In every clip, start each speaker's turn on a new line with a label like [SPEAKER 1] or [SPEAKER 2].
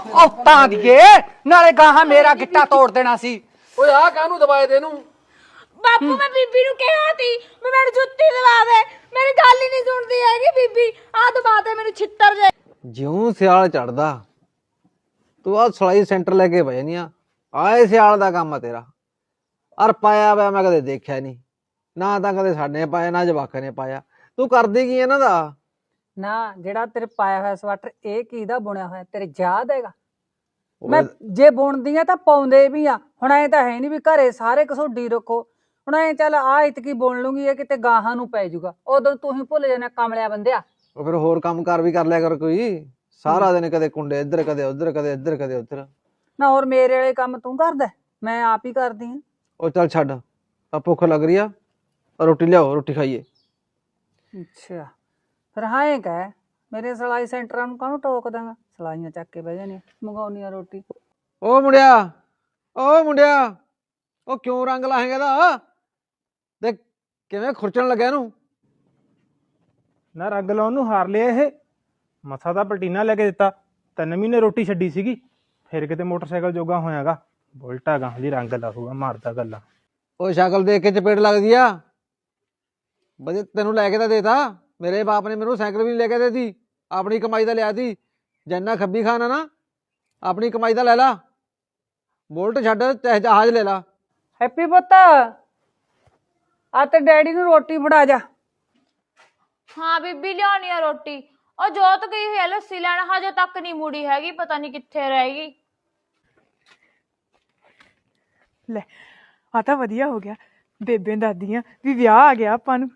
[SPEAKER 1] औतां दिए नाले गाहां मेरा गिट्टा तोड़ देना सी।
[SPEAKER 2] ओए आ कानू दबाए दे नू
[SPEAKER 3] बापू मैं बीबी नु कहा थी मैं मेरी जुत्ती दबा दे, मेरी गल ही नहीं सुनती हैगी बीबी। आ दबा दे मेरी छित्तर जे।
[SPEAKER 4] ਜਿਉਂ ਸਿਆਲ ਚੜਦਾ ਤੂੰ ਆ ਸਲਾਈ ਸੈਂਟਰ ਲੈ ਕੇ ਬਹਿ ਜਾਨੀ ਆ। ਆਏ ਸਿਆਲ ਦਾ ਕੰਮ ਆ ਤੇਰਾ। ਅਰ ਪਾਇਆ ਵਾ ਮੈਂ ਕਦੇ ਦੇਖਿਆ ਨਹੀਂ, ਨਾ ਤਾਂ ਕਦੇ ਸਾਡੇ ਪਾਇਆ ਨਾ ਜਵਾਕਾਂ ਨੇ ਪਾਇਆ। ਤੂੰ ਕਰਦੀ ਕੀ ਇਹਨਾਂ ਦਾ?
[SPEAKER 1] ना जेड़ा तेरे पाया हुआ स्वेटर ਇਹ ਕਿਹਦਾ ਬੁਣਿਆ ਹੋਇਆ ਤੇਰੇ ਯਾਦ ਹੈਗਾ? ਮੈਂ ਜੇ ਬੁਣਦੀ ਆ ਤਾਂ ਪਾਉਂਦੇ ਵੀ ਆ। ਹੁਣ ਐ ਤਾਂ ਹੈ ਨਹੀਂ ਵੀ ਘਰੇ ਸਾਰੇ ਕਸੋਡੀ ਰੱਖੋ। ਹੁਣ ਐ ਚੱਲ ਆ ਇਤਕੀ ਬੁਣ ਲੂੰਗੀ ਇਹ ਕਿਤੇ ਗਾਹਾਂ ਨੂੰ ਪੈ ਜਾਊਗਾ, ਉਦੋਂ ਤੂੰ ਹੀ ਭੁੱਲ ਜਾਣਾ ਕਮਲਿਆ ਬੰਦਿਆ।
[SPEAKER 4] ਉਹ ਫਿਰ ਹੋਰ ਕੰਮ ਕਾਰ ਵੀ ਕਰ ਲਿਆ ਕਰ ਕੋਈ। ਸਾਰਾ ਦਿਨ ਕਦੇ ਕੁੰਡੇ ਇੱਧਰ ਕਦੇ ਉੱਧਰ, ਕਦੇ ਇੱਧਰ ਕਦੇ ਉੱਧਰ।
[SPEAKER 1] ਨਾ ਹੋਰ ਮੇਰੇ ਵਾਲੇ ਕੰਮ ਤੂੰ ਕਰਦਾ, ਮੈਂ ਆਪ ਹੀ ਕਰਦੀ ਆ।
[SPEAKER 4] ਉਹ ਚੱਲ ਛੱਡ, ਤਾਂ ਭੁੱਖ ਲੱਗ ਰਹੀ ਆ, ਰੋਟੀ ਲਿਆਓ, ਰੋਟੀ ਖਾਈਏ।
[SPEAKER 1] ਅੱਛਾ ਫਿਰ ਹਾਂ ਇਹ ਕਹਿ ਮੇਰੇ ਸਿਲਾਈ ਸੈਂਟਰਾਂ ਨੂੰ ਕਾਹਨੂੰ ਟੋਕ ਦਾਂਗਾ? ਸਿਲਾਈਆਂ ਚੱਕ ਕੇ ਬਹਿ ਜਾਣੀ, ਮੰਗਾਉਣੀ ਆ ਰੋਟੀ।
[SPEAKER 4] ਉਹ ਮੁੰਡਿਆ, ਉਹ ਮੁੰਡਿਆ, ਉਹ ਕਿਉਂ ਰੰਗ ਲਾਹੇਗਾ ਇਹਦਾ? ਦੇਖ ਕਿਵੇਂ ਖੁਰਚਣ ਲੱਗਿਆ ਇਹਨੂੰ।
[SPEAKER 5] ਨਾ ਰੰਗ ਲਾਉਣ ਨੂੰ ਹਾਰ ਲਿਆ ਇਹ। ਮਸਾ ਦਾ ਪਲਟੀਨਾ ਲੈ ਕੇ ਦਿੱਤਾ, 3 ਮਹੀਨੇ ਰੋਟੀ ਛੱਡੀ ਸੀਗੀ, ਫਿਰ ਕਿਤੇ ਮੋਟਰਸਾਈਕਲ ਜੋਗਾ ਹੋਇਆਗਾ। ਬੁਲਟਾ ਗਾਂ ਦੀ ਰੰਗ ਲਾਹੂਗਾ, ਮਾਰਦਾ ਗੱਲਾਂ।
[SPEAKER 4] ਉਹ ਸ਼ਕਲ ਦੇਖ ਕੇ ਚਪੇੜ ਲੱਗਦੀ ਆ। ਬਜੇ ਤੈਨੂੰ ਲੈ ਕੇ ਤਾਂ ਦੇਤਾ, ਮੇਰੇ ਬਾਪ ਨੇ ਮੈਨੂੰ ਸਾਈਕਲ ਵੀ ਨਹੀਂ ਲੈ ਕੇ ਦੇਤੀ, ਆਪਣੀ ਕਮਾਈ ਦਾ ਲਿਆ ਤੀ। ਜਿੰਨਾ ਖੱਬੀ ਖਾਨਾ ਨਾ ਆਪਣੀ ਕਮਾਈ ਦਾ ਲੈ ਲਾ। ਬੁਲਟ ਛੱਡ ਚਾਹੇ ਜਹਾਜ਼ ਲੈ ਲਾ।
[SPEAKER 1] ਹੈਪੀ ਪੁੱਤ ਆ ਤੇ ਡੈਡੀ ਨੂੰ ਰੋਟੀ ਫੜਾ ਜਾ।
[SPEAKER 3] हाँ बीबी लियानी है रोटी। और जोत गई हुई है लस्सी लैन, हजे तक नहीं मुड़ी हैगी, पता नहीं कित्थे रहेगी।
[SPEAKER 6] ਲੈ ਆ ਤਾਂ ਵਧੀਆ ਹੋ ਗਿਆ, ਬੇਬੇ ਦਾਦੀਆਂ ਵੀ ਵਿਆਹ ਆ ਗਿਆ ਆਪਾਂ ਨੂੰ।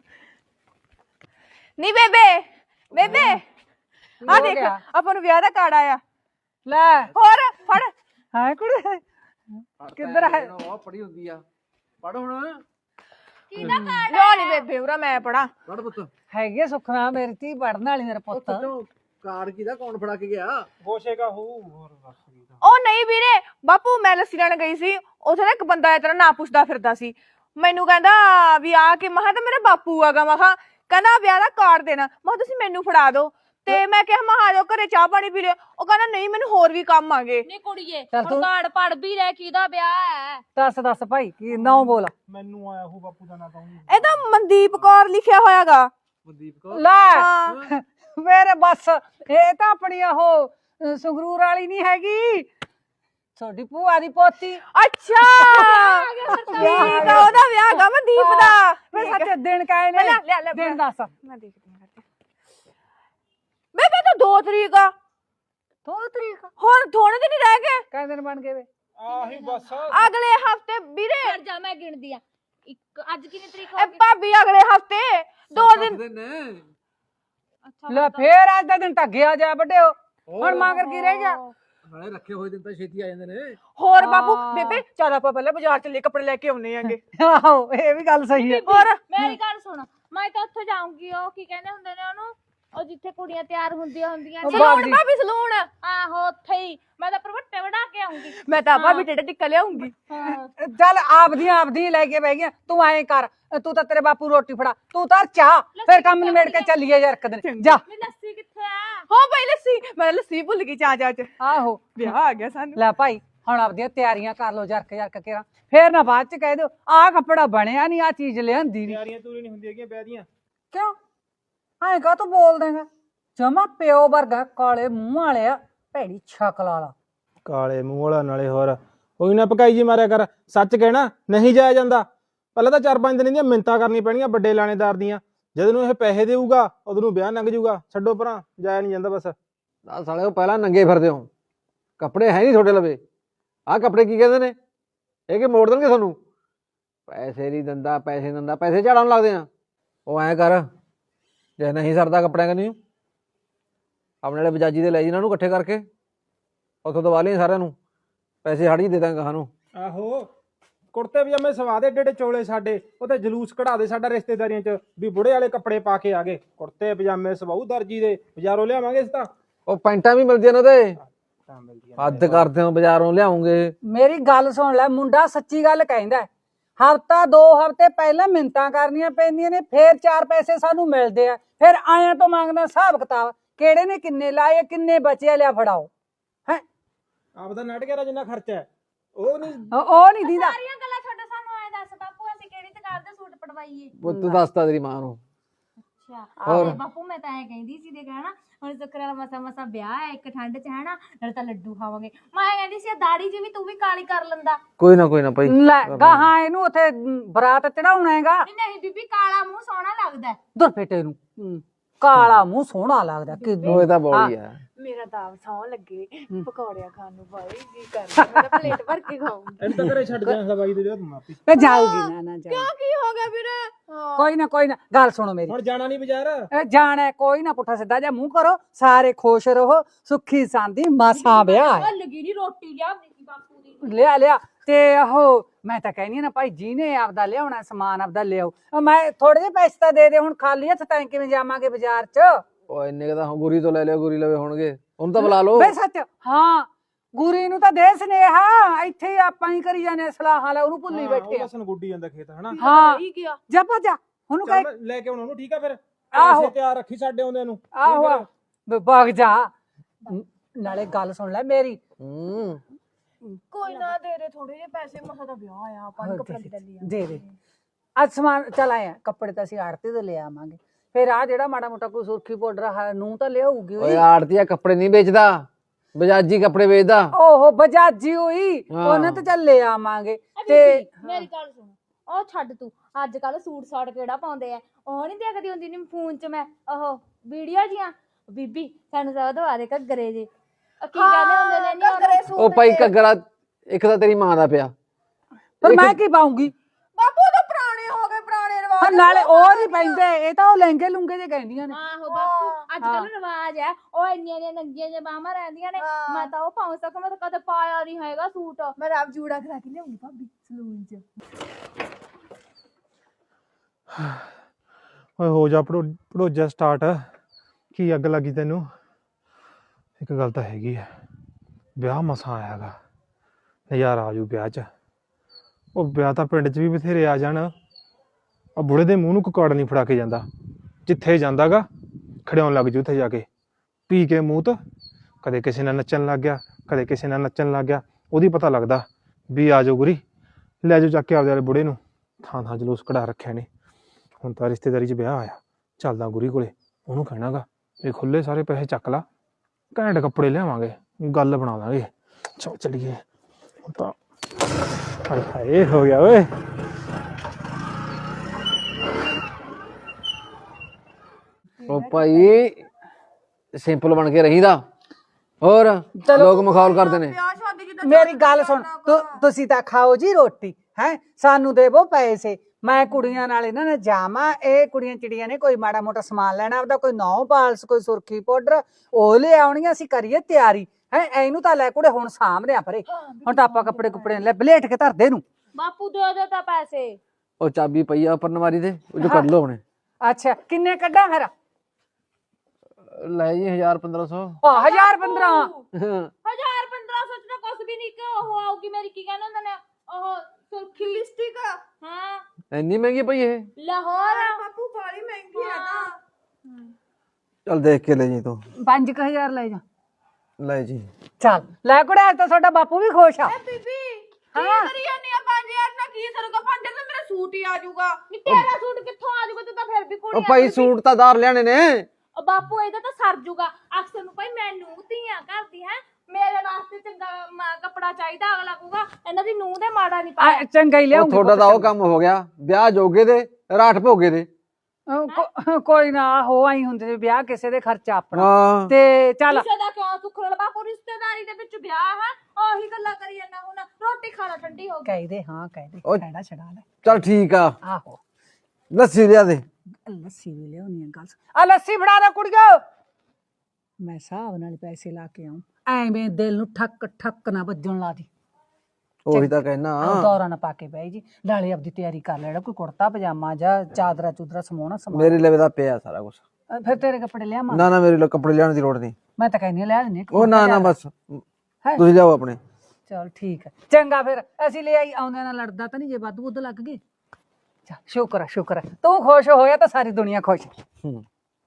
[SPEAKER 3] नहीं बेबे बेबे
[SPEAKER 6] ਆ ਦੇਖ ਆਪਾਂ ਨੂੰ ਵਿਆਹ ਦਾ ਕਾਰਡ ਆਇਆ।
[SPEAKER 1] ਲੈ
[SPEAKER 6] ਹੋਰ ਫੜ।
[SPEAKER 1] ਹਾਂ ਕੁੜੇ ਕਿੱਧਰ ਹੈ?
[SPEAKER 4] ਉਹ ਪੜੀ ਹੁੰਦੀ ਆ, ਪੜ ਹੁਣ।
[SPEAKER 3] किदा कार्ड
[SPEAKER 6] ਲੋ ਨਹੀਂ ਬੇਬੇ ਉਰਾ ਮੈਂ ਪੜਾ।
[SPEAKER 4] ਪੜ ਪੁੱਤ।
[SPEAKER 1] ਹੈਗੇ ਸੁਖਨਾ ਮੇਰੀ ਧੀ ਪੜਨ ਵਾਲੀ ਮੇਰਾ ਪੁੱਤ।
[SPEAKER 4] ਕਾਰ ਕਿਹਦਾ ਕੌਣ ਫੜਾ ਕੇ ਗਿਆ?
[SPEAKER 5] ਗੋਸ਼ੇਗਾ ਹੋ ਹੋਰ
[SPEAKER 6] ਉਹ ਨਹੀਂ ਵੀਰੇ, ਬਾਪੂ ਮੈਂ ਲੱਸੀ ਲੈਣ ਗਈ ਸੀ, ਉੱਥੇ ਨਾ ਇੱਕ ਬੰਦਾ ਇਸ ਤਰ੍ਹਾਂ ਨਾ ਪੁੱਛਦਾ ਫਿਰਦਾ ਸੀ। ਮੈਨੂੰ ਕਹਿੰਦਾ ਵੀ ਆ ਕੇ ਮਹਾ ਤਾਂ ਮੇਰਾ ਬਾਪੂ ਆਗਾ। ਮਹਾ ਕਹਿੰਦਾ ਵਿਆਹ ਦਾ ਕਾਰਡ ਦੇਣਾ। ਮੈਂ ਤੁਸੀਂ ਮੈਨੂੰ ਫੜਾ ਦਿਓ। ਤੇ ਮੈਂ ਕਿਹਾ ਮਾ ਆ ਜਾਓ ਘਰੇ ਚਾਹ ਪਾਣੀ ਪੀ ਲਿਓ। ਉਹ ਕਹਿੰਦਾ ਨਹੀਂ ਮੈਨੂੰ ਹੋਰ ਵੀ ਕੰਮ ਆਗੇ।
[SPEAKER 3] नहीं कुड़िए
[SPEAKER 1] चल तू-
[SPEAKER 3] कार्ड पढ़ भी रहे किदा ब्याह है।
[SPEAKER 1] ਦੱਸ ਦੱਸ ਭਾਈ ਕੀ ਨਾਂ ਬੋਲ।
[SPEAKER 5] ਮੈਨੂੰ ਆਇਆ ਹੋ ਬਾਪੂ ਦਾ ਨਾਂ ਤਾਂ
[SPEAKER 6] ਇਹ ਤਾਂ ਮਨਦੀਪ ਕੌਰ ਲਿਖਿਆ ਹੋਇਆਗਾ।
[SPEAKER 4] ਮਨਦੀਪ ਕੌਰ।
[SPEAKER 1] ਲੈ
[SPEAKER 6] ਹਾਂ
[SPEAKER 1] ਮੇਰੇ ਬਸ ਇਹ ਤਾਂ ਆਪਣੀ ਉਹ ਸੰਗਰੂਰ ਵਾਲੀ ਨਹੀਂ ਹੈਗੀ, ਤੁਹਾਡੀ ਭੂਆ ਦੀ ਪੋਤੀ।
[SPEAKER 6] ਅੱਛਾ ਠੀਕ ਆ, ਉਹਦਾ ਵਿਆਹ ਗਾ ਮਨਦੀਪ ਦਾ।
[SPEAKER 1] ਫਿਰ ਸੱਚ ਦਿਨ ਕਾਏ ਨੇ?
[SPEAKER 6] ਲੈ
[SPEAKER 1] ਦਿਨ ਦੱਸ।
[SPEAKER 6] ਮੈਂ ਦੇਖਦੀ ਹਾਂ ਬੇਬੇ ਤਾਂ 2 ਤਰੀਕ ਆ।
[SPEAKER 1] 2 ਤਰੀਕ
[SPEAKER 6] ਹੋਰ ਥੋੜੇ ਦਿਨ ਹੀ ਰਹਿ ਗਏ।
[SPEAKER 1] ਕਿੰਨੇ ਦਿਨ ਬਣ ਗਏ ਵੇ?
[SPEAKER 5] ਆਹੀ ਬਸ।
[SPEAKER 6] ਅਗਲੇ ਹਫਤੇ ਵੀਰੇ
[SPEAKER 3] कर जा मैं गिन दिया। एक आज कितनी तारीख
[SPEAKER 6] ਇਹ ਭਾਬੀ ਅਗਲੇ ਹਫਤੇ 2 ਦਿਨ।
[SPEAKER 3] अच्छा
[SPEAKER 1] ਲੈ ਫੇਰ ਅੱਜ ਦਾ ਦਿਨ ਤਾਂ ਗਿਆ ਜਾ ਵੱਡਿਓ, ਹੁਣ ਮਗਰ ਕੀ ਰਹਿ ਗਿਆ?
[SPEAKER 4] ਨਾਲੇ ਰੱਖੇ ਹੋਏ ਦਿਨ ਤਾਂ ਛੇਤੀ ਆ ਜਾਂਦੇ ਨੇ।
[SPEAKER 6] ਹੋਰ ਬਾਪੂ ਬੇਬੇ ਚੱਲ ਆਪਾਂ ਪਹਿਲਾਂ ਬਾਜ਼ਾਰ ਚੱਲੇ ਕੱਪੜੇ ਲੈ ਕੇ ਆਉਣੇ ਆਂਗੇ।
[SPEAKER 1] ਆਹੋ ਇਹ ਵੀ ਗੱਲ ਸਹੀ ਹੈ।
[SPEAKER 6] ਹੋਰ
[SPEAKER 3] मेरी गल सुन, मैं तो उत्थे जाऊंगी ओ की कहंदे हुंदे ने ओनू ओ जिथे कुड़ियां तैयार हुंदियां हुंदियां
[SPEAKER 1] ਉਹ
[SPEAKER 3] ने।
[SPEAKER 1] ਬਾਪ
[SPEAKER 6] ਸਲੂਨ
[SPEAKER 1] ਜੀ।
[SPEAKER 6] ਭਾਬੀ ਸਲੂਨ।
[SPEAKER 3] आहो उत्थे ही मैं तो परवट्टे वड़ा के आऊंगी।
[SPEAKER 6] ਮੈਂ ਤਾਂ ਭਾਬੀ ਟੇਡਾ ਟਿੱਕਾ ਲਿਆਉਂਗੀ।
[SPEAKER 3] हां
[SPEAKER 1] ਚੱਲ ਆਪਦੀਆਂ ਲੈ ਕੇ ਬਹਿ ਗਿਆ। ਤੂੰ ਐਂ ਕਰ, ਤੂੰ ਤਾਂ ਤੇਰੇ ਬਾਪੂ ਰੋਟੀ ਫੜਾ, ਤੂੰ ਤਾਂ ਚਾਹ, ਫਿਰ ਕੰਮ ਨਿਬੇੜ ਕੇ ਚੱਲੀਏ ਯਾਰ ਇੱਕ ਦਿਨ ਜਾ।
[SPEAKER 3] मैं लस्सी किथे है?
[SPEAKER 6] ਹਾਂ ਭਾਈ ਲੱਸੀ, ਮੈਂ ਲੱਸੀ ਭੁੱਲ ਗਈ ਚਾਹ ਚ।
[SPEAKER 1] ਆਹੋ
[SPEAKER 6] ਵਿਆਹ ਆ ਗਿਆ ਸਾਨੂੰ।
[SPEAKER 1] ਲੈ ਭਾਈ ਹੁਣ ਆਪਦੀਆਂ ਤਿਆਰੀਆਂ ਕਰ ਲੋ ਜਰਕ ਜਰਕ ਕੇ, ਫੇਰ ਨਾ ਬਾਅਦ ਚ ਕਹਿ ਦਿਓ ਆਹ ਕੱਪੜਾ ਬਣਿਆ ਨਹੀਂ, ਆਹ ਚੀਜ਼ ਲਿਆਂਦੀ ਨਹੀਂ।
[SPEAKER 5] ਤਿਆਰੀਆਂ ਤੂਰੀ ਨਹੀਂ ਹੁੰਦੀਆਂ ਹੈਗੀਆਂ ਵਿਆਹ ਦੀਆਂ।
[SPEAKER 1] ਕਿਉਂ ਐਂ ਕਾ ਤੂੰ ਬੋਲ ਦੇਗਾ? ਜਮਾ ਪਿਓ ਵਰਗਾ ਕਾਲੇ ਮੂੰਹ ਵਾਲਿਆ, ਭੈੜੀ ਸ਼ਕਲ ਵਾਲਾ।
[SPEAKER 5] ਕਾਲੇ ਮੂੰਹ ਵਾਲਾ ਨਾਲੇ ਹੋਰ ਕੋਈ ਨਾ ਪਕਾਈ ਜੀ ਮਾਰਿਆ ਕਰ। ਸੱਚ ਕਹਿਣਾ ਨਹੀਂ ਜਾਇਆ ਜਾਂਦਾ। ਪਹਿਲਾਂ ਤਾਂ 4-5 ਦਿਨ ਦੀਆਂ ਮਿੰਤਾਂ ਕਰਨੀਆਂ ਪੈਣੀਆਂ ਵੱਡੇ ਲਾਣੇਦਾਰ ਦੀਆਂ। ਜਦੋਂ ਨੂੰ ਇਹ ਪੈਸੇ ਦੇਊਗਾ ਉਦੋਂ ਨੂੰ ਵਿਆਹ ਲੰਘ ਜਾਊਗਾ। ਛੱਡੋ ਪਰਾਂ, ਜਾਇਆ ਨਹੀਂ ਜਾਂਦਾ ਬਸ।
[SPEAKER 4] ਆ ਸਾਲੇ ਉਹ ਪਹਿਲਾਂ ਨੰਗੇ ਫਿਰਦੇ ਹੋ, ਕੱਪੜੇ ਹੈ ਨਹੀਂ ਤੁਹਾਡੇ ਲਵੇ। ਆਹ ਕੱਪੜੇ ਕੀ ਕਹਿੰਦੇ ਨੇ? ਇਹ ਕਿ ਮੋੜ ਦੇਣਗੇ ਤੁਹਾਨੂੰ? ਪੈਸੇ ਨਹੀਂ ਦਿੰਦਾ, ਪੈਸੇ ਦਿੰਦਾ, ਪੈਸੇ ਝਾੜਨ ਲੱਗਦੇ ਆ। ਉਹ ਐਂ ਕਰ, ਜੇ ਨਹੀਂ ਸਰਦਾ ਕੱਪੜਿਆਂ ਕਨੀ ਆਪਣੇ ਵਾਲੇ ਬਜਾਜੀ ਦੇ ਲੈ ਜੀ ਇਹਨਾਂ ਨੂੰ ਇਕੱਠੇ ਕਰਕੇ, ਉੱਥੋਂ ਦਵਾ ਲਈ ਸਾਰਿਆਂ ਨੂੰ। ਪੈਸੇ ਹੜ ਜੀ ਦੇ ਦਾਂਗਾ ਸਾਨੂੰ।
[SPEAKER 5] ਆਹੋ ਕੁੜਤੇ ਪਜਾਮੇ ਸਵਾ ਦੇ ਏਡੇ ਏਡੇ ਚੋਲੇ ਸਾਡੇ, ਉਹ ਤੇ ਜਲੂਸ ਕਢਾ ਦੇ ਸਾਡਾ ਰਿਸ਼ਤੇਦਾਰੀਆਂ ਚ ਵੀ ਬੁੜੇ ਵਾਲੇ ਕੱਪੜੇ ਪਾ ਕੇ ਆ ਗਏ। ਕੁੜਤੇ ਪਜਾਮੇ ਸਵਾਉ ਦਰਜੀ ਦੇ, ਬਾਜ਼ਾਰੋਂ ਲਿਆਵਾਂਗੇ ਇਸ ਤਾਂ।
[SPEAKER 4] ਉਹ ਪੈਂਟਾਂ ਵੀ ਮਿਲਦੀਆਂ ਨੇ ਉਹਦੇ, ਹੱਦ ਕਰਦੇ ਹੋ, ਬਾਜ਼ਾਰੋਂ ਲਿਆਉਂਗੇ।
[SPEAKER 1] ਮੇਰੀ ਗੱਲ ਸੁਣ ਲੈ, ਮੁੰਡਾ ਸੱਚੀ ਗੱਲ ਕਹਿੰਦਾ। ਹਫਤਾ 2 ਹਫ਼ਤੇ ਪਹਿਲਾਂ ਮਿੰਤਾਂ ਕਰਨੀਆਂ ਪੈਂਦੀਆਂ ਨੇ, ਫੇਰ 4 ਪੈਸੇ ਸਾਨੂੰ ਮਿਲਦੇ ਆ, ਫਿਰ ਆਇਆਂ ਤੋਂ ਮੰਗਦਾ ਹਿਸਾਬ ਕਿਤਾਬ, ਕਿਹੜੇ ਨੇ ਕਿੰਨੇ ਲਾਏ, ਕਿੰਨੇ ਬਚੇ, ਲਿਆ ਫੜਾਓ। ਹੈ
[SPEAKER 5] ਆਪਦਾ ਨਟ ਗਿਆ ਜਿੰਨਾ ਖਰਚਾ ਹੈ ਉਹ ਨਹੀਂ
[SPEAKER 1] ਉਹ ਨਹੀਂ ਦੀਦਾ।
[SPEAKER 3] ਸਾਰੀਆਂ ਗੱਲਾਂ ਛੱਡ, ਸਾਨੂੰ ਐ ਦੱਸ ਬਾਪੂ ਅਸੀਂ ਕਿਹੜੀ ਦੁਕਾਨ ਦੇ ਸੂਟ ਪੜਵਾਈਏ?
[SPEAKER 4] ਪੁੱਤ ਦੱਸਤਾ ਤੇਰੀ ਮਾਂ ਨੂੰ।
[SPEAKER 3] ਅੱਛਾ ਤੇ ਬਾਪੂ ਮੈਂ ਤਾਂ ਐ ਕਹਿੰਦੀ ਸੀ ਦੇਖ ਹਨਾ, ਹੁਣ ਸ਼ੁਕਰ ਵਾਲਾ ਮਸਾ ਮਸਾ ਵਿਆਹ ਹੈ ਇੱਕ ਠੰਡ ਚ ਹਨਾ, ਨਾਲੇ ਤਾਂ ਲੱਡੂ ਖਾਵਾਂਗੇ। ਮੈਂ ਕਹਿੰਦੀ ਸੀ ਦਾੜੀ ਜੀ ਵੀ ਤੂੰ ਵੀ ਕਾਲੀ ਕਰ ਲੈਂਦਾ।
[SPEAKER 4] ਕੋਈ ਨਾ ਭਾਈ।
[SPEAKER 1] ਲੈ ਗਾਹਾਂ ਇਹਨੂੰ ਉੱਥੇ ਬਰਾਤ ਚੜਾਉਣਾ ਹੈਗਾ।
[SPEAKER 3] ਨਹੀਂ ਨਹੀਂ ਬੀਬੀ, ਕਾਲਾ ਮੂੰਹ ਸੋਹਣਾ ਲੱਗਦਾ।
[SPEAKER 1] ਦੁਰ ਫੇਟੇ ਨੂੰ ਕਾਲਾ ਮੂੰਹ ਸੋਹਣਾ ਲੱਗਦਾ ਕਿ
[SPEAKER 4] ਉਹ ਤਾਂ ਬੋਲੀ ਆ।
[SPEAKER 6] ਮੇਰਾ ਤਾਂ ਸੌਂ ਲੱਗੇ ਪਕੌੜਿਆਂ ਖਾਣ ਨੂੰ ਬਾਈ ਜੀ ਕਰਦਾ, ਮੈਂ ਤਾਂ ਪਲੇਟ ਭਰ ਕੇ ਖਾਊਂਗੀ।
[SPEAKER 5] ਇਹਨੂੰ ਤਾਂ ਘਰੇ ਛੱਡ ਜਾ ਹਲਵਾਈ ਦੇ ਦਿਓ ਤੂੰ ਆਪੀ।
[SPEAKER 1] ਮੈਂ ਜਾਊਗੀ ਨਾ ਜਾ।
[SPEAKER 6] ਕਿਉਂ ਕੀ ਹੋ ਗਿਆ ਵੀਰੇ?
[SPEAKER 1] ਕੋਈ ਨਾ ਗੱਲ ਸੁਣੋ ਮੇਰੀ।
[SPEAKER 5] ਹੁਣ ਜਾਣਾ ਨਹੀਂ ਬਾਜ਼ਾਰ।
[SPEAKER 1] ਜਾਣਾ ਕੋਈ ਨਾ, ਪੁੱਠਾ ਸਿੱਧਾ ਜਿਹਾ ਮੂੰਹ ਕਰੋ, ਸਾਰੇ ਖੁਸ਼ ਰਹੋ, ਸੁੱਖੀ ਸਾਂਦੀ ਮਸਾਂ ਵਿਆਹ ਹੈ।
[SPEAKER 3] ਲੱਗੀ ਨਹੀਂ ਰੋਟੀ ਲਿਆ ਬਾਪੂ ਦੀ।
[SPEAKER 1] ਲਿਆ ਤੇ ਉਹ ਮੈਂ ਤਾਂ ਕਹਿੰਦੀ ਨਾ ਭਾਈ ਜੀ ਨੇ ਆਪਦਾ ਲਿਆਉਣਾ ਸਮਾਨ ਆਪਦਾ ਲਿਆਓ। ਮੈਂ ਥੋੜੇ ਜਿਹੇ ਪੈਸੇ ਤਾਂ ਦੇ ਹੁਣ, ਖਾਲੀ ਹੱਥ ਤਾਂ ਕਿਵੇਂ ਜਾਵਾਂਗੇ ਬਾਜ਼ਾਰ 'ਚ?
[SPEAKER 4] ਉਹ ਇੰਨੇ ਤਾਂ ਗੁਰੀ ਤੋਂ ਲੈ ਲਿਓ, ਗੁਰੀ ਲਵੇ ਹੋਣਗੇ, ਉਹਨੂੰ ਤਾਂ ਬੁਲਾ ਲਓ।
[SPEAKER 1] ਬੇ ਸੱਚ ਹਾਂ, ਗੁਰੀ ਨੂੰ ਤਾਂ ਦੇ ਸਨੇਹਾ, ਇੱਥੇ ਹੀ ਆਪਾਂ ਹੀ ਕਰੀ ਜਾਂਦੇ ਸਲਾਹਾਂ ਲੈ, ਉਹਨੂੰ ਭੁੱਲੀ ਬੈਠੇ ਆ।
[SPEAKER 5] ਲਸਣ ਗੁੱਡੀ ਜਾਂਦਾ ਖੇਤ ਹਨਾ।
[SPEAKER 1] ਹਾਂ
[SPEAKER 6] ਕੀ ਗਿਆ?
[SPEAKER 1] ਜਾ ਭੱਜ ਜਾ ਉਹਨੂੰ
[SPEAKER 5] ਚੱਲ
[SPEAKER 1] ਕਹਿ।
[SPEAKER 5] ਮੈਂ ਲੈ ਕੇ ਆਉਣਾ ਉਹਨੂੰ, ਠੀਕ ਆ ਫਿਰ?
[SPEAKER 1] ਆਹੋ।
[SPEAKER 5] ਪੈਸੇ ਤਿਆਰ ਰੱਖੀ ਸਾਡੇ ਆਉਂਦਿਆਂ ਨੂੰ।
[SPEAKER 1] ਆਹੋ ਭੱਗ ਜਾ। ਨਾਲੇ ਗੱਲ ਸੁਣ ਲੈ ਮੇਰੀ।
[SPEAKER 6] ਕੋਈ ਨਾ ਦੇ ਦੇ ਥੋੜੇ ਜਿਹੇ ਪੈਸੇ, ਮਸਾ ਦਾ ਵਿਆਹ ਆਇਆ, ਆਪਾਂ ਨੂੰ ਕੱਪੜੇ ਲੈ ਲਿਆ।
[SPEAKER 1] ਦੇ ਅੱਜ ਸਮਾਨ ਚੱਲ ਆਇਆ, ਕੱਪੜੇ ਤਾਂ ਅਸੀਂ ਆੜਤੀ ਤੋਂ ਲੈ ਆਵਾਂਗੇ। ਫਿਰ ਆ ਜਿਹੜਾ ਮਾੜਾ ਮੋਟਾ ਕੋਈ ਸੁਰਖੀ ਪਾਊਡਰ ਨੂੰ ਤਾਂ ਲਿਆਊਗੀ।
[SPEAKER 4] ਓਏ ਆੜਤੀਆ ਕੱਪੜੇ ਨਹੀਂ ਵੇਚਦਾ, ਬਜਾਜੀ ਕੱਪੜੇ ਵੇਚਦਾ।
[SPEAKER 1] ਓਹੋ ਬਜਾਜੀ ਹੋਈ, ਉਹਨਾਂ ਤੇ ਚੱਲ ਲੈ ਆਵਾਂਗੇ। ਤੇ
[SPEAKER 3] ਮੇਰੀ ਗੱਲ ਸੁਣ, ਉਹ ਛੱਡ ਤੂੰ, ਅੱਜ ਕੱਲ ਸੂਟ ਸਾਟ ਕਿਹੜਾ ਪਾਉਂਦੇ ਆ? ਉਹ ਨਹੀਂ ਦੇਖਦੀ ਹੁੰਦੀ ਨੀ ਫੋਨ 'ਚ ਮੈਂ ਉਹ ਵੀਡੀਓ ਜੀਆਂ? ਬੀਬੀ ਸਾਨੂੰ ਸਭ ਦਵਾ ਦੇ ਘੱਗਰੇ ਜੇ, ਕੀ ਕਹਿੰਦੇ ਹੁੰਦੇ ਨੇ ਨੀ
[SPEAKER 4] ਉਹ ਭਾਈ ਘੱਗਰਾ ਇੱਕ ਤਾਂ ਤੇਰੀ ਮਾਂ ਦਾ ਪਿਆ।
[SPEAKER 1] ਪਰ ਮੈਂ ਕੀ ਪਾਉਂਗੀ?
[SPEAKER 6] ਬਾਪੂ ਤਾਂ ਪੁਰਾਣੇ ਹੋ ਗਏ, ਪੁਰਾਣੇ ਰਿਵਾਜ।
[SPEAKER 1] ਨਾਲੇ ਉਹ ਨਹੀਂ ਪੈਂਦੇ, ਇਹ ਤਾਂ ਉਹ ਲਹਿੰਗੇ ਲੁੰਗੇ ਜੇ ਕਹਿੰਦੀਆਂ ਨੇ।
[SPEAKER 3] ਆਹੋ ਬਾਪੂ, ਅੱਜ ਕੱਲ ਰਿਵਾਜ ਹੈ, ਉਹ ਇੰਨੀਆਂ ਨੰਗੀਆਂ ਜੇ ਬਾਹਾਂ ਰਹਿੰਦੀਆਂ ਨੇ। ਮੈਂ ਤਾਂ ਉਹ ਪਾਉਂ ਸਕਾਂ, ਮੈਂ ਤਾਂ ਕਦੇ ਪਾਇਆ ਨਹੀਂ ਹੈਗਾ ਸੂਟ।
[SPEAKER 6] ਮੈਂ ਆਪ ਜੂੜਾ ਕਰਾ ਕੇ ਲਿਆਉਂਗੀ ਭਾਬੀ ਸਲੂਨ 'ਚ।
[SPEAKER 5] ਓਏ ਹੋ ਜਾ ਭੜੋਜਾ ਸਟਾਰਟ। ਕੀ ਅੱਗ ਲੱਗੀ ਤੈਨੂੰ? ਇੱਕ ਗੱਲ ਤਾਂ ਹੈਗੀ ਆ, ਵਿਆਹ ਮਸਾਂ ਆਇਆਗਾ, ਨਜ਼ਾਰਾ ਆ ਜੂ ਵਿਆਹ 'ਚ। ਉਹ ਵਿਆਹ ਤਾਂ ਪਿੰਡ 'ਚ ਵੀ ਬਥੇਰੇ ਆ ਜਾਣ, ਆ ਬੁੜੇ ਦੇ ਮੂੰਹ ਨੂੰ ਕੁਕਾੜ ਨਹੀਂ ਫੜਾ ਕੇ ਜਾਂਦਾ। ਜਿੱਥੇ ਜਾਂਦਾਗਾ ਖੜਿਆਉਣ ਲੱਗ ਜੂ, ਉੱਥੇ ਜਾ ਕੇ ਪੀ ਕੇ ਮੂੰਹ ਤੋਂ ਕਦੇ ਕਿਸੇ ਨਾਲ ਨੱਚਣ ਲੱਗ ਗਿਆ, ਕਦੇ ਕਿਸੇ ਨਾਲ ਨੱਚਣ ਲੱਗ ਗਿਆ। ਉਹਦੀ ਪਤਾ ਲੱਗਦਾ ਵੀ ਆ ਜਾਓ ਗੁਰੀ, ਲੈ ਜਾਓ ਚੱਕ ਕੇ ਆਪਦੇ ਵਾਲੇ ਬੁੜੇ ਨੂੰ। ਥਾਂ ਥਾਂ ਜਲੂਸ ਕਢਾ ਰੱਖਿਆ ਨੇ। ਹੁਣ ਤਾਂ ਰਿਸ਼ਤੇਦਾਰੀ 'ਚ ਵਿਆਹ ਆਇਆ, ਚੱਲਦਾ ਗੁਰੀ ਕੋਲੇ, ਉਹਨੂੰ ਕਹਿਣਾਗਾ ਵੀ ਖੁੱਲੇ ਸਾਰੇ ਪੈਸੇ ਚੱਕ ਲਾ, ਘੈਂਟ ਕੱਪੜੇ ਲਿਆਵਾਂਗੇ, ਗੱਲ ਬਣਾ ਦਾਂਗੇ। ਚਲ ਚੱਲੀਏ ਹੁਣ ਤਾਂ। ਹਾਏ ਹਾਏ ਹੋ ਗਿਆ ਓਏ।
[SPEAKER 4] ਉਹ ਭਾਈ ਸਿੰਪਲ ਬਣ ਕੇ ਰਹੀਦਾ, ਹੋਰ ਲੋਕ ਮਖੌਲ ਕਰਦੇ ਨੇ।
[SPEAKER 6] ਵਿਆਹ ਸ਼ਾਦੀ 'ਚ ਤਾਂ
[SPEAKER 1] ਮੇਰੀ ਗੱਲ ਸੁਣ, ਤੁਸੀਂ ਤਾਂ ਖਾਓ ਜੀ ਰੋਟੀ ਹੈ, ਸਾਨੂੰ ਦੇਵੋ ਪੈਸੇ। ਮੈਂ ਕੁੜੀਆਂ ਨਾਲ ਇਹਨਾਂ ਨੇ ਜਾਵਾਂ, ਇਹ ਕੁੜੀਆਂ ਚਿੜੀਆਂ ਨੇ ਕੋਈ ਮਾੜਾ ਮੋਟਾ ਸਮਾਨ ਲੈਣਾ ਆਪਦਾ, ਕੋਈ ਨੌ ਪਾਲਸ, ਕੋਈ ਸੁਰਖੀ ਪਾਊਡਰ, ਉਹ ਲੈ ਆਉਣੀਆਂ, ਅਸੀਂ ਕਰੀਏ ਤਿਆਰੀ ਹੈ। ਇਹਨੂੰ ਤਾਂ ਲੈ ਕੁੜੇ ਹੁਣ ਸਾਂਭਦੇ ਆ ਪਰੇ, ਹੁਣ ਤਾਂ ਆਪਾਂ ਕੱਪੜੇ ਕੁਪੜੇ ਲੈ ਬਲੇਟ ਕੇ ਧਰਦੇ ਨੂੰ।
[SPEAKER 3] ਬਾਪੂ ਦੇ ਦੇ ਤਾਂ ਪੈਸੇ।
[SPEAKER 4] ਉਹ ਚਾਬੀ ਪਈ ਆ ਉੱਪਰ ਨਵਾਰੀ ਤੇ, ਉਹ ਜੋ ਕੱਢ ਲਓ ਆਪਣੇ।
[SPEAKER 1] ਅੱਛਾ ਕਿੰਨੇ ਕੱਢਾਂ ਫਿਰ?
[SPEAKER 4] ਲੈ ਜੀ 1000-1500।
[SPEAKER 1] 1000-1500?
[SPEAKER 3] 1000-1500 ਚ ਤਾਂ ਕੁਛ ਵੀ ਨਹੀਂ ਕਿ ਉਹ ਆਊਗੀ ਮੇਰੀ, ਕੀ ਕਹਿੰਦੇ ਹੁੰਦੇ ਨੇ ਉਹ ਸੁਰਖੀ
[SPEAKER 6] ਲਿਪਸਟਿਕ।
[SPEAKER 3] ਹਾਂ
[SPEAKER 4] ਇੰਨੀ ਮਹਿੰਗੀ ਪਈ ਇਹ?
[SPEAKER 3] ਲਾਹੌਰ
[SPEAKER 6] ਬਾਪੂ ਬਾਲੀ ਮਹਿੰਗੀ ਆ ਤਾਂ।
[SPEAKER 4] ਚੱਲ ਦੇਖ ਕੇ ਲੈ ਜੀ ਤੂੰ।
[SPEAKER 1] 5000 ਲੈ ਜਾ।
[SPEAKER 4] ਲੈ ਜੀ
[SPEAKER 1] ਚੱਲ ਲੈ ਕੁੜੇ, ਅੱਜ ਤਾਂ ਤੁਹਾਡਾ ਬਾਪੂ ਵੀ ਖੁਸ਼ ਆ।
[SPEAKER 6] ਬੀਬੀ ਕੀ ਕਰੀ ਜਾਂਦੀ ਆ? 5000 ਨਾਲ ਕੀ ਸਰੂਗਾ? 5 ਤਾਂ ਮੇਰਾ ਸੂਟ ਹੀ ਆ ਜਾਊਗਾ।
[SPEAKER 3] ਨੀ ਤੇਰਾ ਸੂਟ ਕਿੱਥੋਂ ਆ ਜਾਊਗਾ? ਤੂੰ ਤਾਂ ਫਿਰ ਵੀ ਕੁੜੀ
[SPEAKER 4] ਉਹ ਭਾਈ ਸੂਟ ਤਾਂ ਦਾਰ ਲਿਆਣੇ ਨੇ।
[SPEAKER 3] ਉਹ ਬਾਪੂ ਇਹਦਾ ਤਾਂ ਸਰ ਜੂਗਾ। ਅਕਸਰ ਨੂੰ ਭਾਈ ਮੈਨੂੰ ਧੀਆਂ ਕਰਦੀ ਹੈ, ਮੇਰੇ ਵਾਸਤੇ ਚੰਗਾ ਕੱਪੜਾ ਚਾਹੀਦਾ, ਅਗਲਾ ਕਹੂਗਾ ਇਹਨਾਂ ਦੀ ਨੂੰਹ ਦੇ ਮਾੜਾ ਨਹੀਂ ਪਾਇਆ।
[SPEAKER 1] ਚੰਗਾ ਹੀ
[SPEAKER 4] ਉਹ
[SPEAKER 1] ਲਿਆਉਂਗੀ।
[SPEAKER 4] ਤੁਹਾਡਾ ਤਾਂ ਉਹ ਕੰਮ ਹੋ ਗਿਆ, ਵਿਆਹ ਜੋਗੇ ਦੇ ਰਾਠ ਭੋਗੇ ਦੇ।
[SPEAKER 1] ਕੋਈ ਨਾ, ਹੋ ਆਈ ਹੁੰਦੇ ਨੇ ਵਿਆਹ, ਕਿਸੇ ਦੇ ਖਰਚਾ ਆਪਣਾ।
[SPEAKER 4] ਹਾਂ
[SPEAKER 1] ਤੇ ਚੱਲ
[SPEAKER 3] ਕਿਸੇ ਦਾ ਕਿਉਂ ਸੁਖਰਲ ਬਾਪੂ, ਰਿਸ਼ਤੇਦਾਰੀ ਦੇ ਵਿੱਚ ਵਿਆਹ ਹੈ, ਉਹੀ ਗੱਲਾਂ ਕਰੀ ਜਾਂਦਾ। ਹੁਣ ਰੋਟੀ ਖਾਣਾ ਠੰਡੀ ਹੋ ਗਈ।
[SPEAKER 1] ਕਹਿਦੇ ਹਾਂ ਕਹਿਦੇ,
[SPEAKER 4] ਉਹ-
[SPEAKER 1] ਕਹਿਣਾ ਛਡਾ ਲੈ।
[SPEAKER 4] ਚੱਲ ਠੀਕ ਆ,
[SPEAKER 1] ਆਹੋ
[SPEAKER 4] ਲੱਸੀ ਲਿਆ ਦੇ।
[SPEAKER 1] ਲੱਸੀ ਵੀ ਲਿਆਉਣੀ ਆ। ਗੱਲ ਆ ਲੱਸੀ ਫੜਾ ਦੇ ਕੁੜੀਓ। ਮੈਂ ਹਿਸਾਬ ਨਾਲ ਪੈਸੇ ਲਾ ਕੇ ਆਉਂ, ਐਵੇਂ ਦਿਲ ਨੂੰ ਠੱਕ ਠੱਕ ਨਾ ਵੱਜਣ ਲਾ ਦੀ।
[SPEAKER 4] ਉਹੀ ਤਾਂ ਕਹਿਣਾ।
[SPEAKER 1] ਦੌਰਾ ਨਾ ਪਾ ਕੇ ਬਹਿ ਜੀ, ਨਾਲੇ ਆਪਦੀ ਤਿਆਰੀ ਕਰ ਲੈਣਾ, ਕੋਈ ਕੁੜਤਾ ਪਜਾਮਾ ਜਾਂ ਚਾਦਰਾ ਚੂਦਰਾ ਸਮਾਉਣਾ ਸਮਾਨ।
[SPEAKER 4] ਮੇਰੇ ਲਵੇ ਤਾਂ ਪਿਆ ਸਾਰਾ ਕੁਝ।
[SPEAKER 1] ਫਿਰ ਤੇਰੇ ਕੱਪੜੇ ਲਿਆਵਾਂ?
[SPEAKER 4] ਨਾ ਨਾ ਮੇਰੇ ਲਈ ਕੱਪੜੇ ਲਿਆਉਣ ਦੀ ਲੋੜ ਨਹੀਂ।
[SPEAKER 1] ਮੈਂ ਤਾਂ ਕਹਿੰਦੀ ਲੈ ਲੈਣੇ।
[SPEAKER 4] ਉਹ ਨਾ ਨਾ ਬਸ ਤੁਸੀਂ ਲਿਆਓ ਆਪਣੇ।
[SPEAKER 1] ਚਲ ਠੀਕ ਹੈ, ਚੰਗਾ ਫਿਰ ਅਸੀਂ ਲੈ ਆਈ। ਆਉਂਦਿਆਂ ਨਾਲ ਲੜਦਾ ਤਾਂ ਨਹੀਂ ਜੇ ਵੱਧ ਬੁੱਧ ਲੱਗ ਗਏ। ਚੱਲ ਸ਼ੁਕਰ ਹੈ, ਸ਼ੁਕਰ ਹੈ, ਤੂੰ ਖੁਸ਼ ਹੋਇਆ ਤਾਂ ਸਾਰੀ ਦੁਨੀਆ ਖੁਸ਼।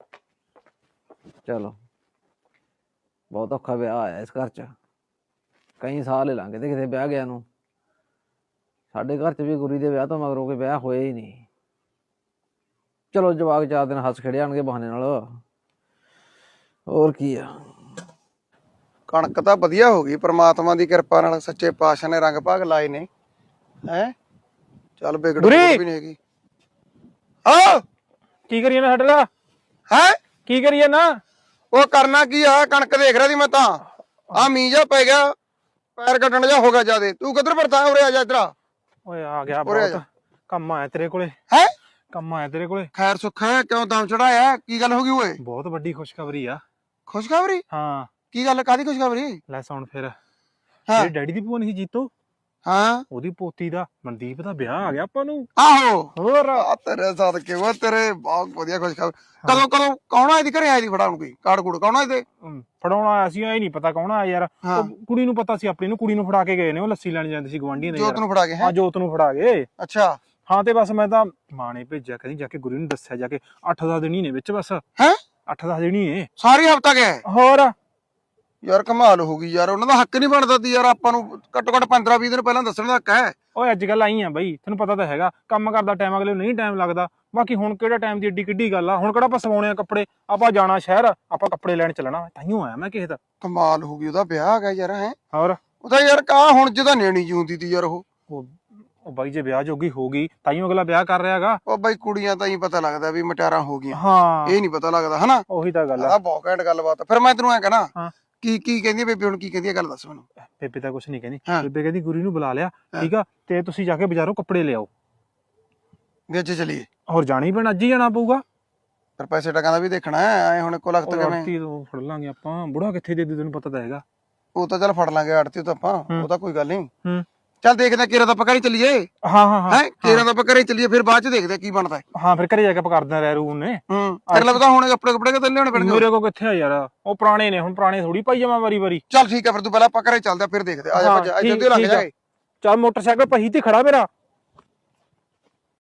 [SPEAKER 4] ਚਲੋ ਬਹੁਤ ਔਖਾ ਵਿਆਹ ਆਇਆ ਇਸ ਘਰ ਚ। ਕਈ ਸਾਲ ਹੀ ਲੰਘ ਗਏ ਕਿਤੇ ਵਿਆਹ ਗਿਆ ਨੂੰ। ਸਾਡੇ ਘਰ 'ਚ ਵੀ ਗੁਰੀ ਦੇ ਵਿਆਹ ਤੋਂ ਮਗਰੋਂ ਕੋਈ ਵਿਆਹ ਹੋਇਆ ਹੀ ਨਹੀਂ। ਚਲੋ ਜਵਾਕ 4 ਦਿਨ ਹੱਸ ਖੇੜੇ ਆਣਗੇ ਬਹਾਨੇ ਨਾਲ, ਹੋਰ ਕੀ ਆ।
[SPEAKER 7] ਕਣਕ ਤਾਂ ਵਧੀਆ ਹੋ ਗਈ ਪ੍ਰਮਾਤਮਾ ਦੀ ਕਿਰਪਾ ਨਾਲ, ਸੱਚੇ ਪਾਤਸ਼ਾਹ ਨੇ ਰੰਗ ਭਾਗ ਲਾਏ ਨੇ ਹੈ। ਚੱਲ ਵਿਗੜ
[SPEAKER 5] ਗੁਰੀ!
[SPEAKER 7] ਵੀ ਨਹੀਂ ਹੈਗੀ। ਹਾਂ
[SPEAKER 5] ਕੀ ਕਰੀਏ ਨਾ ਸਾਡੇ ਨਾਲ,
[SPEAKER 7] ਹੈ
[SPEAKER 5] ਕੀ ਕਰੀਏ ਨਾ?
[SPEAKER 7] ਉਹ ਕਰਨਾ ਕੀ ਆ, ਕਣਕ ਦੇਖ ਰਿਹਾ ਸੀ ਮੈਂ ਤਾਂ। ਆ ਮੀਂਹ ਜਾ ਪੈ ਗਿਆ, ਪੈਰ ਕੱਟਣ ਜਾ ਹੋ ਗਿਆ ਜਿਆਦੇ। ਤੂੰ ਕਿੱਧਰ ਫਿਰਦਾ? ਉਰੇ ਆ ਜਾ ਇੱਧਰ ਆ।
[SPEAKER 5] ਓਏ ਆ ਗਿਆ
[SPEAKER 7] ਉਰੇ ਆ
[SPEAKER 5] ਬਹੁਤ
[SPEAKER 7] ਜਾ।
[SPEAKER 5] ਕੰਮ ਆਇਆ ਤੇਰੇ ਕੋਲੇ,
[SPEAKER 7] ਹੈ
[SPEAKER 5] ਕੰਮ ਆਇਆ ਤੇਰੇ ਕੋਲੇ।
[SPEAKER 7] ਖੈਰ ਸੁੱਖ ਹੈ? ਕਿਉਂ ਦਮ ਚੜਾਇਆ? ਕੀ ਗੱਲ ਹੋ ਗਈ ਓਏ?
[SPEAKER 5] ਬਹੁਤ ਵੱਡੀ ਖੁਸ਼ਖਬਰੀ ਆ।
[SPEAKER 7] ਖੁਸ਼ਖਬਰੀ?
[SPEAKER 5] ਹਾਂ
[SPEAKER 7] ਕੀ ਗੱਲ, ਕਾਦੀ ਖੁਸ਼ਖਬਰੀ?
[SPEAKER 5] ਲੈ ਸੁਣ ਫਿਰ।
[SPEAKER 7] ਹਾਂ।
[SPEAKER 5] ਤੇਰੇ ਡੈਡੀ ਦੀ ਭੂਆ ਨਹੀਂ ਸੀ ਜੀਤੋ,
[SPEAKER 7] ਹਾਂ
[SPEAKER 5] ਉਹਦੀ ਪੋਤੀ ਦਾ ਮਨਦੀਪ ਦਾ ਵਿਆਹ ਆ ਗਿਆ ਆਪਾਂ ਨੂੰ।
[SPEAKER 7] ਆਹੋ
[SPEAKER 5] ਹੋਰ
[SPEAKER 7] ਆ ਤੇਰੇ ਸਦਕੇ, ਉਹ ਤੇਰੇ ਬਹੁਤ ਵਧੀਆ ਖੁਸ਼ਖਬਰੀ। ਕਦੋਂ ਕਦੋਂ ਕੌਣ ਆਇਆ ਦੀ ਘਰੇ? ਆਇਆ ਦੀ ਫੜਾ ਨੂੰ ਕੋਈ ਕਾਰਡ ਕੂੜ ਕੌਣ ਆਇਆ ਤੇ?
[SPEAKER 5] ਫੜਾਉਣਾ ਆਇਆ ਸੀ, ਇਹ ਨਹੀਂ ਪਤਾ ਕੌਣ ਆਇਆ ਯਾਰ।
[SPEAKER 7] ਹਾਂ।
[SPEAKER 5] ਉਹ ਕੁੜੀ ਨੂੰ ਪਤਾ ਸੀ, ਆਪਣੀ ਨੂੰ ਕੁੜੀ ਨੂੰ ਫੜਾ ਕੇ ਗਏ ਨੇ। ਉਹ ਲੱਸੀ ਲੈਣ ਜਾਂਦੇ ਸੀ ਗਵਾਂਢੀਆਂ ਦੇ
[SPEAKER 7] ਜੋਤ ਨੂੰ ਫੜਾ ਕੇ? ਹੈ
[SPEAKER 5] ਹਾਂ ਜੋਤ ਨੂੰ ਫੜਾ ਗਏ।
[SPEAKER 7] ਅੱਛਾ।
[SPEAKER 5] ਹਾਂ ਤੇ ਬਸ ਮੈਂ ਤਾਂ ਮਾਂ ਨੇ ਭੇਜਿਆ, ਕਹਿੰਦੀ ਜਾ ਕੇ ਗੁਰੂ ਨੂੰ ਦੱਸਿਆ ਜਾ ਕੇ। 8-10 ਦਿਨ ਹੀ ਨੇ ਵਿੱਚ ਬਸ।
[SPEAKER 7] ਹੈ
[SPEAKER 5] 8-10 ਦਿਨ ਹੀ ਨੇ।
[SPEAKER 7] ਸਾਰੀ ਹਫਤਾ ਗਿਆ?
[SPEAKER 5] ਹੋਰ
[SPEAKER 7] ਯਾਰ ਕਮਾਲ ਹੋ ਗਈ ਯਾਰ, ਉਹਨਾਂ ਦਾ ਹੱਕ ਨਹੀਂ ਬਣਦਾ ਤੀ ਯਾਰ ਆਪਾਂ ਨੂੰ ਘੱਟੋ ਘੱਟ 15-20 ਦਿਨ ਪਹਿਲਾਂ ਦੱਸਣ ਦਾ ਹੱਕ ਹੈ।
[SPEAKER 5] ਓਏ ਅੱਜ ਕੱਲ ਆਈ ਆ ਬਈ, ਤੈਨੂੰ ਪਤਾ ਤਾਂ ਹੈਗਾ ਕੰਮ ਕਰਦਾ ਟਾਈਮ ਅਗਲੇ ਨੂੰ ਨਹੀਂ ਟਾਈਮ ਲੱਗਦਾ। ਬਾਕੀ ਹੁਣ ਕਿਹੜਾ ਟਾਈਮ ਦੀ ਏਡੀ ਕਿੱਡੀ ਗੱਲ ਆ, ਹੁਣ ਕਿਹੜਾ ਆਪਾਂ ਸਵਾਉਣੇ ਆ ਕੱਪੜੇ। ਆਪਾਂ ਜਾਣਾ ਸ਼ਹਿਰ, ਆਪਾਂ ਕੱਪੜੇ ਲੈਣ ਚੱਲਣਾ, ਤਾਈਓ ਆਇਆ ਮੈਂ ਕਿਸੇ ਦਾ।
[SPEAKER 7] ਕਮਾਲ ਹੋ ਗਈ, ਉਹਦਾ ਵਿਆਹ ਆ ਗਿਆ ਯਾਰ। ਹੈ
[SPEAKER 5] ਹੋਰ
[SPEAKER 7] ਉਹਦਾ ਯਾਰ ਕਾ ਹੁਣ ਜਿਹਦਾ ਨੇਣੀ ਜੀ ਹੁੰਦੀ ਤੀ ਯਾਰ।
[SPEAKER 5] ਉਹ ਬਾਈ ਜੇ ਵਿਆਹ ਜੋਗੀ ਹੋ ਗਈ ਤਾਈਓ ਅਗਲਾ ਵਿਆਹ ਕਰ ਰਿਹਾਗਾ।
[SPEAKER 7] ਉਹ ਬਾਈ ਕੁੜੀਆਂ ਤਾਂ ਹੀ ਪਤਾ ਲੱਗਦਾ ਵੀ ਮਟਿਆਰਾਂ ਹੋ ਗਈਆਂ,
[SPEAKER 5] ਹਾਂ
[SPEAKER 7] ਇਹ ਨਹੀਂ ਪਤਾ ਲੱਗਦਾ ਹਨਾ।
[SPEAKER 5] ਉਹੀ ਤਾਂ ਗੱਲ ਆ।
[SPEAKER 7] ਆ ਬਹੁਤ ਘੈਂਟ ਗੱਲਬਾਤ। ਫਿਰ ਮੈਂ ਤੈਨੂੰ ਐ ਕਹਿਣਾ,
[SPEAKER 5] ਹਾਂ।
[SPEAKER 7] ਕੀ ਕਹਿੰਦੀ ਬੇਬੇ ਹੁਣ? ਕੀ ਕਹਿੰਦੀ ਹੈ ਗੱਲ ਦੱਸ ਮੈਨੂੰ।
[SPEAKER 5] ਬੇਬੇ ਤਾਂ ਕੁਛ ਨਹੀਂ ਕਹਿੰਦੀ।
[SPEAKER 7] ਹਾਂ।
[SPEAKER 5] ਬੇਬੇ ਕਹਿੰਦੀ ਗੁਰੀ ਨੂੰ ਬੁਲਾ ਲਿਆ, ਠੀਕ ਆ, ਤੇ ਤੁਸੀਂ ਜਾ ਕੇ ਬਾਜ਼ਾਰੋਂ ਕੱਪੜੇ ਲਿਆਓ।
[SPEAKER 7] ਵੀ ਅੱਜ ਚਲੀਏ?
[SPEAKER 5] ਹੋਰ ਜਾਣਾ ਹੀ ਪੈਣਾ, ਅੱਜ ਹੀ ਜਾਣਾ ਪਊਗਾ।
[SPEAKER 7] ਫਿਰ ਪੈਸੇ ਟਕਾਂ ਦਾ ਵੀ ਦੇਖਣਾ ਹੈ। ਐ ਹੁਣ ਇੱਕੋ ਲੱਖ
[SPEAKER 5] ਉਹ
[SPEAKER 7] ਕਿਵੇਂ?
[SPEAKER 5] ਆੜਤੀ ਤੋਂ ਫੜ ਲਾਂਗੇ ਆਪਾਂ, ਬੁੜਾ ਕਿੱਥੇ ਦੇ ਦੂ ਤੈਨੂੰ ਪਤਾ ਤਾਂ ਹੈਗਾ।
[SPEAKER 7] ਉਹ ਤਾਂ ਚੱਲ ਫੜ ਲਾਂਗੇ ਆੜਤੀ ਤੋਂ ਆਪਾਂ, ਉਹ ਤਾਂ ਕੋਈ ਗੱਲ ਨਹੀਂ।
[SPEAKER 5] ਹੂੰ।
[SPEAKER 7] ਚੱਲ ਦੇਖਦੇ ਕੇਰਾ ਤਾਂ ਆਪਾਂ ਘਰੇ ਚੱਲੀਏ।
[SPEAKER 5] ਹਾਂ ਹਾਂ ਹਾਂ
[SPEAKER 7] ਹੈ ਕੇਰਾ ਤਾਂ ਆਪਾਂ ਘਰੇ ਚੱਲੀਏ, ਫਿਰ ਬਾਅਦ ਚ ਦੇਖਦੇ ਕੀ ਬਣਦਾ ਹੈ।
[SPEAKER 5] ਹਾਂ ਫਿਰ ਘਰੇ ਜਾ ਕੇ ਆਪਾਂ ਕਰਦੇ ਰਹਿ ਰੂ ਨੇ।
[SPEAKER 7] ਫਿਰ ਲੱਗਦਾ ਹੁਣ ਕੱਪੜੇ ਕਿਤੇ ਲਿਆਉਣੇ ਪੈਣਗੇ।
[SPEAKER 5] ਮੇਰੇ ਕੋਲ ਕਿੱਥੇ ਆ ਯਾਰ, ਉਹ ਪੁਰਾਣੇ ਨੇ, ਹੁਣ ਪੁਰਾਣੇ ਥੋੜੀ ਪਾਈ ਜਾਵਾਂ ਵਾਰੀ ਵਾਰੀ।
[SPEAKER 7] ਚੱਲ ਠੀਕ ਹੈ, ਫਿਰ ਤੂੰ ਪਹਿਲਾਂ ਆਪਾਂ ਘਰੇ ਚੱਲਦੇ ਆ, ਫਿਰ ਦੇਖਦੇ ਆ ਜਾ।
[SPEAKER 5] ਹਾਂ,
[SPEAKER 7] ਭੱਜ ਜਲਦੀ ਲੱਗ ਜਾਏ।
[SPEAKER 5] ਚੱਲ ਮੋਟਰਸਾਈਕਲ ਪਹੀ ਤੇ ਖੜਾ ਮੇਰਾ,